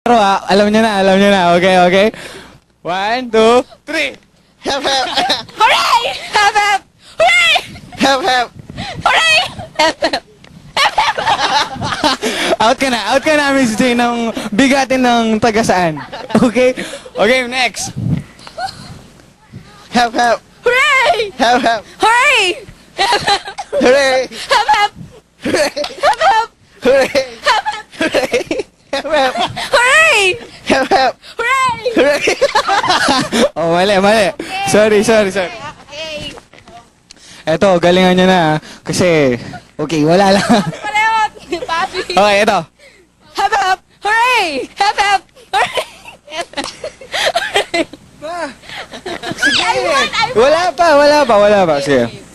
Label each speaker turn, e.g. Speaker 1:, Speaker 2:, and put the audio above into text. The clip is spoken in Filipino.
Speaker 1: laro ha. Alam niyo na. Okay, okay? 1, 2, 3.
Speaker 2: Hep, hep.
Speaker 3: Hooray! Hep, hep! Hooray!
Speaker 2: Hep, hep.
Speaker 3: Hooray! Hep, hep!
Speaker 1: Out ka na, Miss J, ng bigatin ng taga saan. Okay? Okay, next.
Speaker 2: Hep, hep.
Speaker 3: Hooray!
Speaker 2: Hep, hep.
Speaker 3: Hooray! Hep, hep!
Speaker 2: Hooray.
Speaker 3: Hep, hep!
Speaker 2: Hooray.
Speaker 3: Hep, hep!
Speaker 2: Hooray.
Speaker 3: Hep, hep!
Speaker 2: Hooray. Hep, hep.
Speaker 3: Hooray!
Speaker 2: Hep, hep.
Speaker 3: Hooray!
Speaker 2: Hooray.
Speaker 1: Oh, mali. Sorry.
Speaker 3: Okay.
Speaker 1: Eto, galingan niya na. Kasi, okay, wala lang.
Speaker 3: Palewat! Papi!
Speaker 1: Okay, eto.
Speaker 3: Hep, hep! Hooray! Hep, hep! Hooray! Hep, hep! Hooray!
Speaker 2: Sige.
Speaker 3: I won!
Speaker 1: Wala pa. Sige.